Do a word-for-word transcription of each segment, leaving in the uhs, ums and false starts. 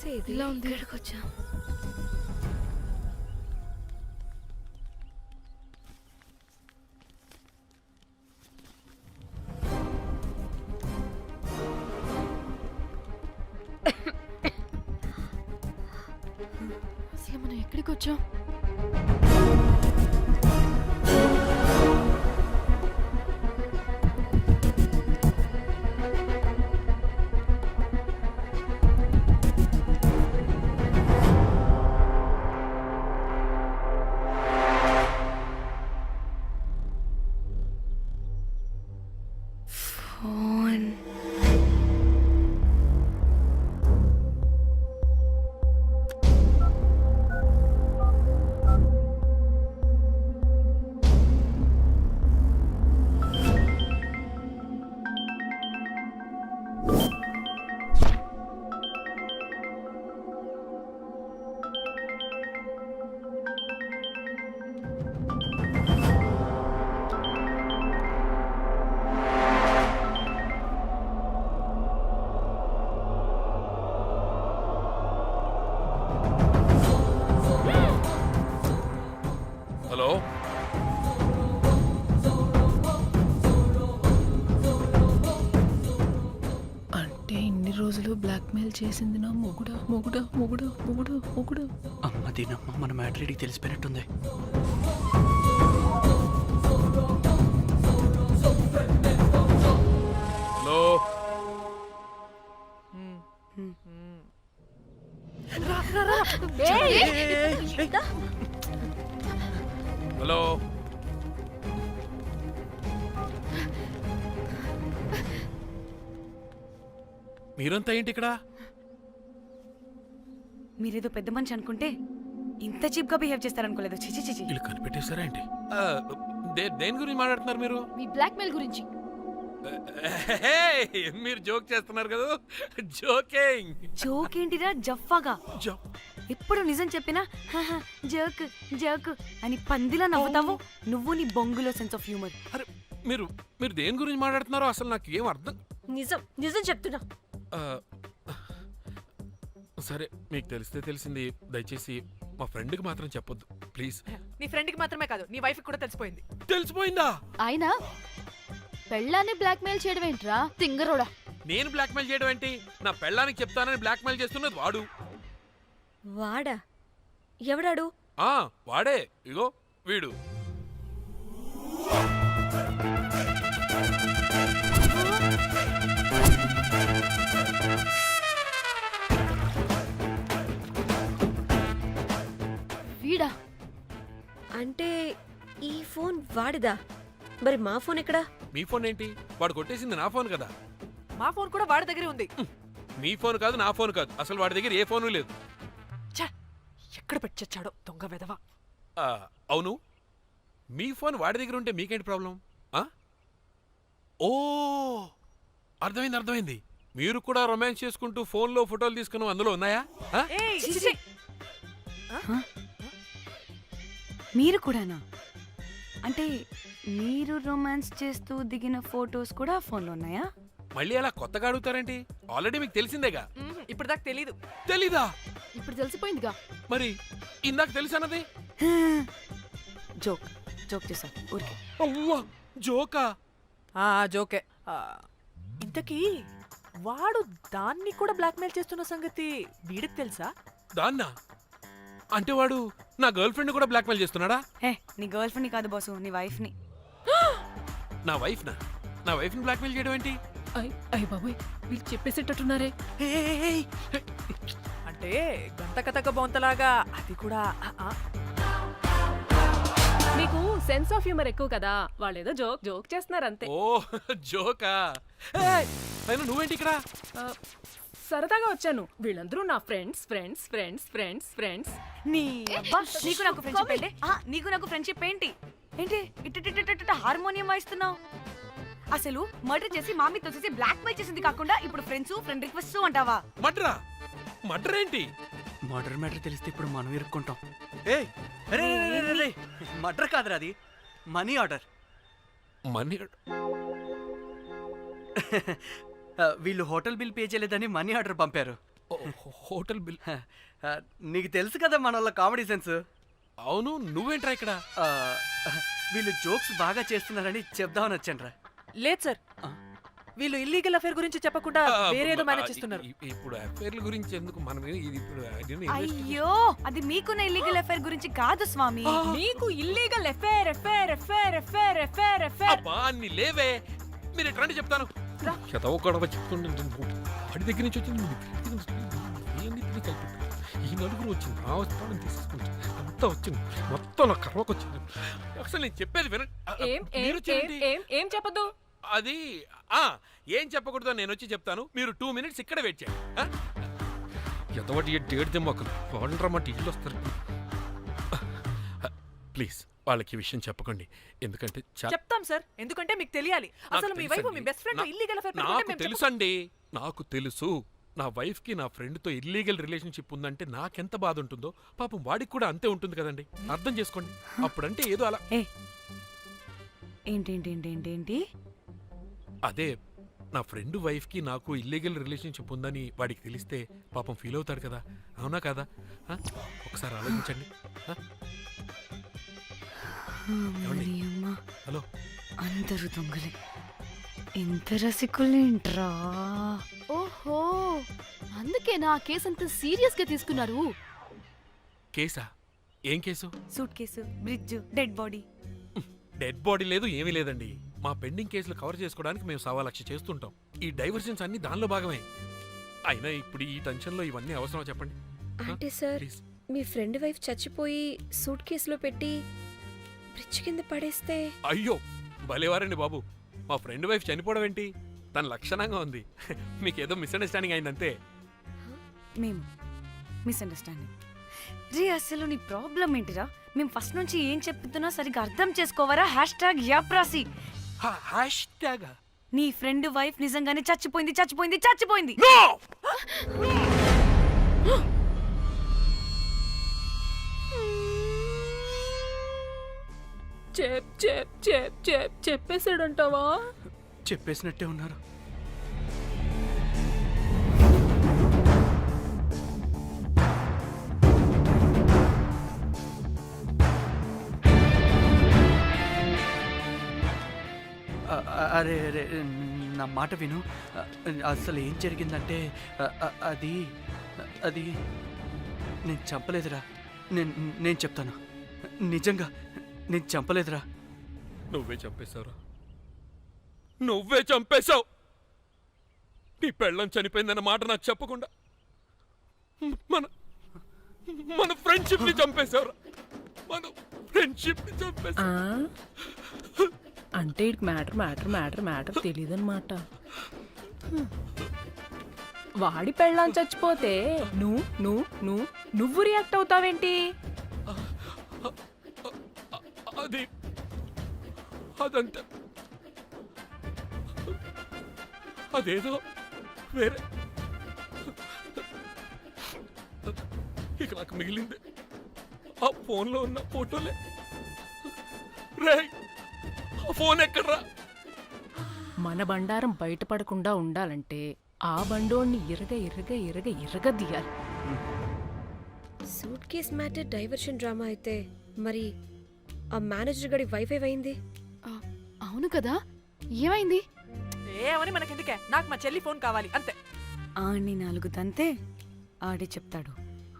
చేసేది? ఇలా ఉంది. ఇక్కడికి వచ్చా. అసలు మనం ఎక్కడికి వచ్చాం? ఫోన్. హలో, అంటే ఇన్ని రోజులు బ్లాక్మెయిల్ చేసింది నా మొగుడా మొగుడా మొగుడా మొగుడా మొగుడా. అమ్మ దీనమ్మ మన మ్యాట్రీడికి తెలిసిపోయినట్టుంది. Hello, hello. మీరంతా ఏంటి ఇక్కడ? మీరేదో పెద్ద మనిషి అనుకుంటే ఇంత చీప్ గా బిహేవ్ చేస్తారనుకోలేదు. చిచి చిచి. వీళ్ళు కనిపెట్టేశారా ఏంటి? ఆ, దే- దేని గురించి మాట్లాడుతున్నారు మీరు? మీ బ్లాక్మెయిల్ గురించి. హే, మీరు జోక్ చేస్తున్నారు కదా? జోకింగ్. జోక్ ఏంటిరా జఫ్ఫాగా? జో ఎప్పుడు నిజం చెప్పినా "హహ, జోక్ జోక్ అని పందిలా నవ్వుతావు. నువ్వు నీ బొంగులో సెన్స్ ఆఫ్ హ్యూమర్. అరే, మీరు మీరు దేని గురించి మాట్లాడుతున్నారో అసలు నాకు ఏం అర్థం. నిజం నిజం చెప్తున్నా. ఆ, సరే, మీకు తెలిస్తే తెలిసింది. దయచేసి మా ఫ్రెండ్కి మాత్రం చెప్పొద్దు ప్లీజ్. నీ ఫ్రెండ్ కి మాత్రమే కాదు, నీ వైఫ్ కూడా తెలిసిపోయింది. తెలిసిపోయిందా? ఆయన పెళ్ళాన్ని బ్లాక్మెయిల్ చేయడం ఏంట్రా తింగరోడా? నేను బ్లాక్మెయిల్ చేయడం ఏంటి? నా పెళ్ళానికి చెప్తానని బ్లాక్మెయిల్ చేస్తున్నది వాడు. వాడా? ఎవడాడు? ఆ వాడే, ఇగో వీడు. వీడా? అంటే ఈ ఫోన్ వాడిదా? మరి మా ఫోన్ ఎక్కడా? మీ ఫోన్ ఏంటి? వాడు కొట్టేసింది నా ఫోన్ కదా. మా ఫోన్ కూడా వాడి దగ్గరే ఉంది. మీ ఫోన్ కాదు, నా ఫోన్ కాదు, అసలు వాడి దగ్గర ఏ ఫోను లేదు. ఛ, ఎక్కడ పెట్టొచ్చాడో దొంగ వెధవ. ఆ, అవును, మీ ఫోన్ వాడి దగ్గర ఉంటే మీకేంటి ప్రాబ్లం? ఆ? ఓ, అర్థమైంది అర్థమైంది. మీరు కూడా రొమాన్స్ చేసుకుంటూ ఫోన్లో ఫోటోలు తీసుకున్నాం, అందులో ఉన్నాయా? ఆ? ఏయ్, చిచి. మీరు కూడానా? అంటే మీరు రొమాన్స్ చేస్తూ దిగిన ఫోటోస్ కూడా ఫోన్లో ఉన్నాయా? మళ్ళీ అలా కొత్తగా అడుగుతారేంటి? ఆల్రెడీ మీకు తెలిసిందేగా. మ్మ్, ఇప్పుడు దాకా తెలీదు. తెలీదా? ఇప్పుడు తెలిసిపోయిందిగా. మరి ఇందాక తెలిసన్నది? జోక్ జోక్ చేశాను ఊరికే. అవ్వా, జోకా? ఆ జోకే. ఆ, ఇంతకీ వాడు దాన్ని కూడా బ్లాక్మెయిల్ చేస్తున్న సంగతి వీడికి తెలుసా? దాన్నా? అంటే వాడు నా గర్ల్ ఫ్రెండ్ కూడా బ్లాక్మెయిల్ చేస్తున్నాడా? ఏ నీ గర్ల్ ఫ్రెండ్ని కాదు బాసు, నీ వైఫ్ని. నా వైఫ్ నా నా వైఫ్ ని బ్లాక్మెయిల్ చేయడం ఏంటి? అయ్య బాబోయ్, వీళ్ళు చెప్పేసేటట్టున్నారే. అంటే గంత కథక బొంతలాగా అది కూడా. ఆ, ఆ. మీకు సెన్స్ ఆఫ్ హ్యూమర్ ఎక్కువ కదా, వాళ్ళు ఏదో జోక్ జోక్ చేస్తున్నారు అంతే. ఓ జోకా? ఏయ్, అయినా నువ్వేంటి ఇక్కడ? ఆ, సరదాగా వచ్చాను. వీళ్ళందరూ నా friends friends friends friends friends. నీ అబ్బా, నీకు నాకు ఫ్రెండ్షిప్ ఏంటి? ఆ, నీకు నాకు ఫ్రెండ్షిప్ ఏంటి? ఏంటి ఇట్ట హార్మోనియం వాయిస్తున్నావు? అసలు మర్డర్ చేసి మామీ తోసేసి బ్లాక్ మెయిల్ చేసింది కాకుండా ఇప్పుడు ఫ్రెండ్స్ ఫ్రెండ్ రిక్వెస్ట్ అంటావా? మడ్రా మడ్ర ఏంటి? మర్డర్ మ్యాటర్ తెలిస్తే ఇప్పుడు మనం ఇరుక్కుంటాం. ఏయ్, మర్డర్ కాదురా, అది మనీ ఆర్డర్. మనీ? వీళ్ళు హోటల్ బిల్ పే చేయలేదని మనీ ఆర్డర్ పంపారు. ఓ, హోటల్ బిల్. ఆ, నీకు తెలుసు కదా మన వాళ్ళ కామెడీ సెన్స్. అవును, నువ్వేంట్రా ఇక్కడ? ఆ, వీళ్ళు జోక్స్ బాగా చేస్తున్నారని చెప్దామని వచ్చానురా. లేదు సార్, ఆ. వీళ్ళు ఇల్లీగల్ అఫేర్ గురించి చెప్పకుండా ఆ, వేరేదో ఆ, మేనేజ్ చేస్తున్నారు. ఇ- ఇ- ఇప్పుడు అఫైర్ల గురించి ఎందుకు మనం ఏ- ఇది ఇప్పుడు అదేనా investigation? అయ్యో అది మీకున్న ఇల్లీగల్ అఫైర్ గురించి కాదు స్వామి. నీకు illegal affair affair affair affair affair affair అబ్బా అన్ని లేవే, మీరు ఎట్రండి చెప్తాను. చదవ గొడవ చెప్తుండే వాడి దగ్గర నుంచి వచ్చింది మీ దగ్గర నుంచి ఇవన్నిటిని కలిపి ఈ నలుగురు వచ్చింది నా వస్తానని తీసుకుంటుంది అంతా వచ్చింది మొత్తం నా కర్వకు వచ్చింది. అసలు నేను చెప్పేది వినండి. ఆ, ఆ, ఏం ఏం మీరు ఏం చేయండి. ఏం ఏం చెప్పదు. అది ఆ ఏం చెప్పకూడదు నేను వచ్చి చెప్తాను. మీరు టూ మినిట్స్ ఇక్కడ వెయిట్ చేయండి. ఎంతవాటి డేట్ దెమ్మకలు వాళ్ళరమ్మంటే ఇల్లు వస్తారు. ప్లీజ్ వాళ్ళకి ఈ విషయం చెప్పకండి, ఎందుకంటే చా- చెప్తాం సార్, ఎందుకంటే మీకు తెలియాలి. అసలు మీ వైఫ్ మీ బెస్ట్ ఫ్రెండ్ నా- ఇల్లీగల్ అఫేర్ నాకు తెలుసండి, నాకు తెలుసు. నా వైఫ్ కి నా ఫ్రెండ్ తో ఇల్లీగల్ రిలేషన్షిప్ ఉందంటే నాకెంత బాధ ఉంటుందో పాపం వాడికి కూడా అంతే ఉంటుంది కదండి. అర్థం చేసుకోండి. అప్పుడంటే ఏదో అలా ఏ ఏంటేంటి ఏంటి ఏంటి ఏంటి అదే నా ఫ్రెండ్ వైఫ్ కి నాకు ఇల్లీగల్ రిలేషన్షిప్ ఉందని వాడికి తెలిస్తే పాపం ఫీల్ అవుతాడు కదా, అవునా కదా? ఆ? ఒకసారి ఆలోచించండి. ఆ? ఏమండి? అమ్మా హలో, అందరూ దొంగలే, ఎంత రసికులేంట్రా. ఓహో, అందుకే నా కేసు అంత సీరియస్ గా తీసుకున్నారు. కేసా? ఏం case? Suitcase, bridge, dead body. Dead body లేదు, ఏమీ లేదండి. మా పెండింగ్ కేసులు కవర్ చేసుకోవడానికి మేము సవా లక్ష చేస్తుంటాం. ఈ డైవర్షన్స్ అన్ని దానిలో భాగమే. అయినా ఇప్పుడు ఈ టెన్షన్లో ఇవన్నీ అవసరం చెప్పండి. అంటే సార్, ప్లీజ్. మీ ఫ్రెండ్ వైఫ్ చచ్చిపోయి సూట్ కేసులో పెట్టి బ్రిడ్జ్ కింద పడేస్తే అయ్యో భలేవారండి బాబు, మా ఫ్రెండ్ వైఫ్ చనిపోవడం ఏంటి? తన లక్షణంగా ఉంది. మీకేదో మిస్అండర్స్టాండింగ్ అయిందంతే. మేము మిస్అండర్స్టాండింగ్. రే అసలు నీ ప్రాబ్లం ఏంటిరా? మేము ఫస్ట్ నుంచి ఏం చెప్తున్నా సరిగ్గా అర్థం చేసుకోవరా? హ్యాష్ ట్యాగ్ యాప్రాసి. హ్యాష్ ట్యాగ్ నీ ఫ్రెండ్ వైఫ్ నిజంగానే చచ్చిపోయింది చచ్చిపోయింది చచ్చిపోయింది. చెప్ చెప్ చెప్ చెప్ చెప్పేసాడంటావా? చెప్పేసినట్టే ఉన్నారు. అ- అ- అరే అరే నా మాట విను. అ- అసలు ఏం జరిగిందంటే అ- అ- అది అది నేను చంపలేదురా. నేను నేను చెప్తాను, నిజంగా నేను చంపలేదురా. నువ్వే చంపేశావురా, నువ్వే చంపేశావు. నీ పెళ్ళం చనిపోయిందన్న మాట నాకు చెప్పకుండా మన మన ఫ్రెండ్షిప్ ని చంపేశావురా. మన ఫ్రెండ్షిప్ ని చంపేశావు. ఆ? అంటే ఇటు మ్యాటర్ మ్యాటర్ మ్యాటర్ మ్యాటర్ తెలియదన్నమాట. వాడి పెళ్ళాం చచ్చిపోతే నువ్వు నువ్వు నువ్వు నువ్వు రియాక్ట్ అవుతావేంటి? అది అదంతా అదేదో వేరే. ఇక నాకు మిగిలింది ఆ ఫోన్లో ఉన్న ఫోటోలే. రే ఆ ఫోన్ ఎక్కడ్రా? మన బండారం బయటపడకుండా ఉండాలంటే ఆ బండోణ్ణి ఇరగ ఇరగ ఇరగ ఇరగ దియాలి. Suitcase matter diversion drama అయితే మరి ఆ మేనేజర్ గడి వైఫ్ ఏమైంది? ఆ, అవును కదా, ఏమైంది? ఏమని మనకెందుకే, నాకు మా చెల్లి ఫోన్ కావాలి అంతే. ఆడిని నాలుగు తంతే ఆడే చెప్తాడు.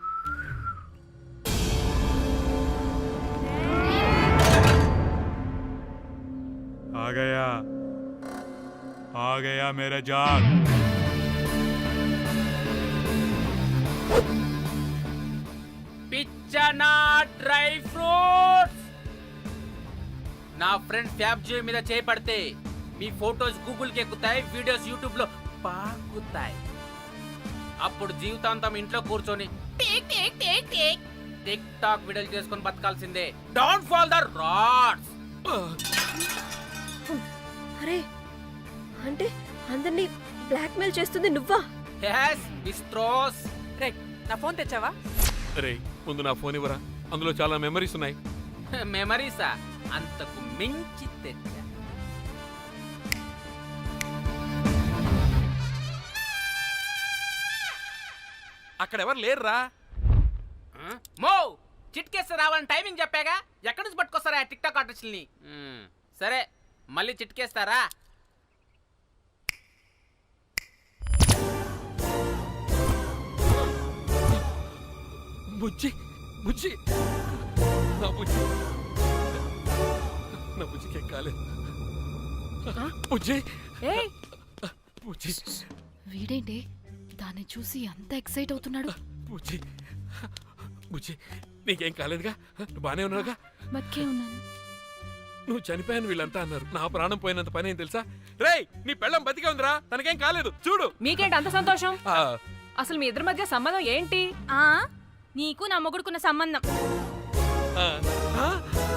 आ गया आ गया मेरा जाग। పిచ్చనా డ్రై ఫ్రూట్స్. నా ఫ్రెండ్ ఫ్యాబ్ జియో మీద చేపడితే మీ ఫోటోస్ గూగుల్ కి ఎక్కుతాయి, వీడియోస్ యూట్యూబ్ లో పాకుతాయి. అప్పుడు జీవితాంతం ఇంట్లో కూర్చొని tick tick tick tick TikTok వీడియోలు చేసుకొని బతకాల్సిందే. Don't fall the rods. అరే, అంటే అందరినీ బ్లాక్మెయిల్ చేస్తుంది నువ్వా? yes బిస్ట్రోస్. రే, నా ఫోన్ తెచ్చావా? రే ముందు నా ఫోన్ ఇవ్వరా, అందులో చాలా మెమరీస్ ఉన్నాయి. మెమరీసా? అంతకు మించి తెచ్చా. అక్కడ ఎవరు లేరురా. మో చిట్కేస్తే రావాలని టైమింగ్ చెప్పాగా, ఎక్కడి నుంచి పట్టుకొస్తారా టిక్ టాక్ ఆర్టిస్టుల్ని? సరే మళ్ళీ చిట్కేస్తారా? బుజ్జి బుజ్జి నా బుజ్జి నా బుజ్జికి కాలేదు. బుజ్జి ఏయ్ బుజ్జి వీడేంటి దాన్ని చూసి అంత ఎక్సైట్ అవుతున్నాడు? బుజ్జి బుజ్జి నీకేం కాలేదుగా? నువ్వు బానే ఉన్నావుగా? బతికే ఉన్నాను. నువ్వు చనిపోయాను వీళ్ళంతా అన్నారు. నా ప్రాణం పోయినంత పని ఏం తెలుసా? రేయ్ నీ పెళ్ళం బతికే ఉందిరా, తనకేం కాలేదు చూడు. మీకేంటి అంత సంతోషం? ఆ, అసలు మీ ఇద్దరి మధ్య సంబంధం ఏంటి? ఆ నీకు నా మొగుడుకున్న సంబంధం. ఆ, ఆ?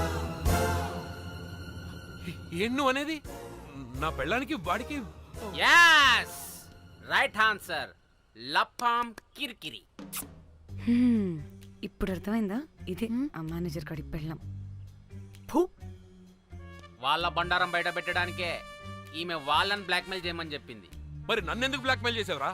ఏం నువ్వు అనేది? నా పెళ్ళానికి వాడికి యాస్ రైట్ ఆన్సర్, లపాం కిరికిరి. ఇప్పుడు అర్థమైందా? ఇది ఆ మేనేజర్ కాడి పెళ్ళం. వాళ్ళ బండారం బయట పెట్టడానికే ఈమె వాళ్ళని బ్లాక్మెయిల్ చేయమని చెప్పింది. మరి నన్నెందుకు బ్లాక్మెయిల్ చేసావురా?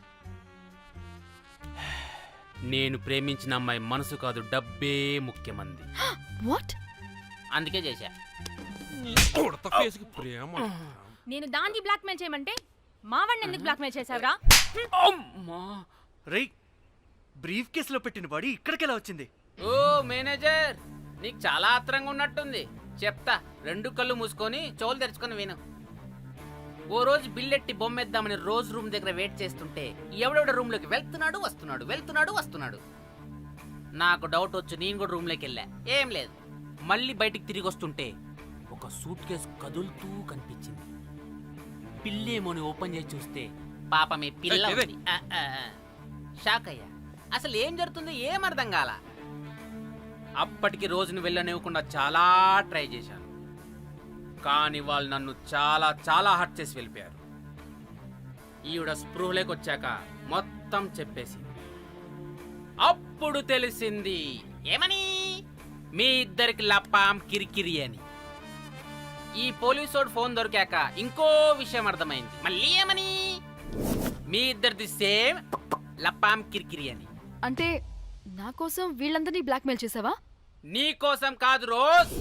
నేను ప్రేమించిన అమ్మాయి మనసు కాదు డబ్బే ముఖ్యమంది, వాట్? అందుకే చేశా. ఉడత ఫేస్కి ప్రేమ. నేను దాన్ని బ్లాక్మెయిల్ చేయమంటే మావాడిని ఎందుకు బ్లాక్మెయిల్ చేసావురా? అమ్మా. రేయ్, బ్రీఫ్ కేసులో పెట్టిన బాడీ ఇక్కడికి ఎలా వచ్చింది? ఓ మేనేజర్, నీకు చాలా ఆత్రంగా ఉన్నట్టుంది. చెప్తా, రెండు కళ్ళు మూసుకొని చెవులు తెరుచుకొని విను. ఓ రోజు బిల్లెట్టి బొమ్మేద్దామని రోజు రూమ్ దగ్గర వెయిట్ చేస్తుంటే ఎవడెవడ రూమ్ లోకి వెళ్తున్నాడు వస్తున్నాడు వెళ్తున్నాడు వస్తున్నాడు. నాకు డౌట్ వచ్చి నేను కూడా రూమ్ లోకి వెళ్ళా, ఏం లేదు. మళ్ళీ బయటికి తిరిగి వస్తుంటే ఒక సూట్ కేసు కదులుతూ కనిపించింది. పిల్లేమోని ఓపెన్ చేసి చూస్తే పాపమే పిల్ల ఏయ్, ఉంది. ఆ, ఆ, ఆ. షాక్ అయ్యా. అసలు ఏం జరుగుతుందో ఏం అర్థం కాల. అప్పటికి రోజును వెళ్ళనివ్వకుండా చాలా ట్రై చేశాను, కానీ వాళ్ళు నన్ను చాలా చాలా హర్ట్ చేసి వెళ్ళిపోయారు. ఈవిడ స్పృహలోకి వచ్చాక మొత్తం చెప్పేసింది. అప్పుడు తెలిసింది ఏమని, మీ ఇద్దరికి లపాం కిరికిరి అని. ఈ పోలీసోడు ఫోన్ దొరికాక ఇంకో విషయం అర్థమైంది. మళ్ళీ ఏమని, మీ ఇద్దరిది సేమ్ లపాం కిరికిరి అని. అంటే నా కోసం వీళ్ళందరినీ బ్లాక్మెయిల్ చేసావా? నీ కోసం కాదు రోజ్,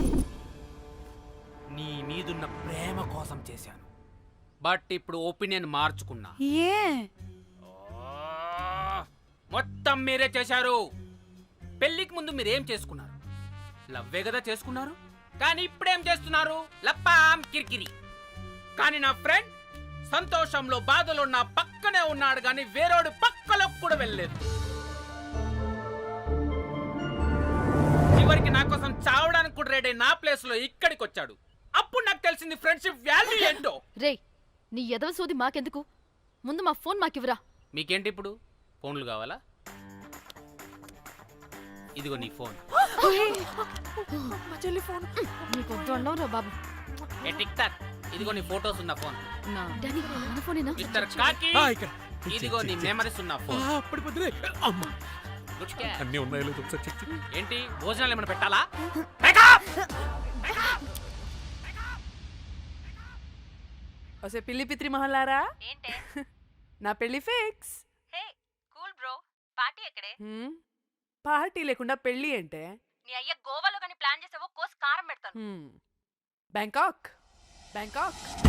నీ మీదున్న ప్రేమ కోసం చేశాను. బట్ ఇప్పుడు ఒపీనియన్ మార్చుకున్నా. ఏ ఆ, మొత్తం మీరే చేశారు. పెళ్లికి ముందు మీరేం చేసుకున్నారు? లవ్వే కదా చేసుకున్నారు. కానీ ఇప్పుడేం చేస్తున్నారు? లప్పాం కిరికిరి. కానీ నా ఫ్రెండ్ సంతోషంలో బాధలో నా పక్కనే ఉన్నాడు, కానీ వేరేడు పక్కలోకి కూడా వెళ్ళలేదు. చివరికి నా కోసం చావడానికి కూడా రెడీ నా ప్లేస్ లో ఇక్కడికి వచ్చాడు. అప్పుడు నాకు తెలిసింది ఫ్రెండ్షిప్ వాల్యూ ఏంటో. రే, నీ ఎదవ సోది మాకెందుకు? ముందు మా ఫోన్ మాకివ్వరా. మీకేంటి ఇప్పుడు ఫోన్లు కావాలా? ఇదిగో నీ ఫోన్. మా చెల్లి ఫోన్. నీకు వద్దు అన్నావురా బాబు. ఏ టిక్ టాక్, ఇదిగో నీ ఫోటోస్ ఉన్న ఫోన్. డానీ, మన ఫోనేనా? మిస్టర్ కాకి, ఆ, ఇక్కడ. ఇదిగో నీ మెమరీస్ ఉన్న ఆ, ఫోన్. అప్పటి పొద్దునే అమ్మా గుడ్ క్యాచ్. అన్నీ ఉన్నాయో లేదో ఒకసారి చెక్ చెయ్యి. ఏంటి భోజనాలు ఏమైనా పెట్టాలా? వసే పిల్లి పిత్రి మహల్లారా, ఏంటే నా పెళ్లి fix. Hey cool bro, party ఎక్కడే? హ్మ్? పార్టీ లేకుండా పెళ్లి అంటే నీ అయ్య గోవాలో కానీ ప్లాన్ చేసావో కోసి కారం పెడతాను. Bangkok Bangkok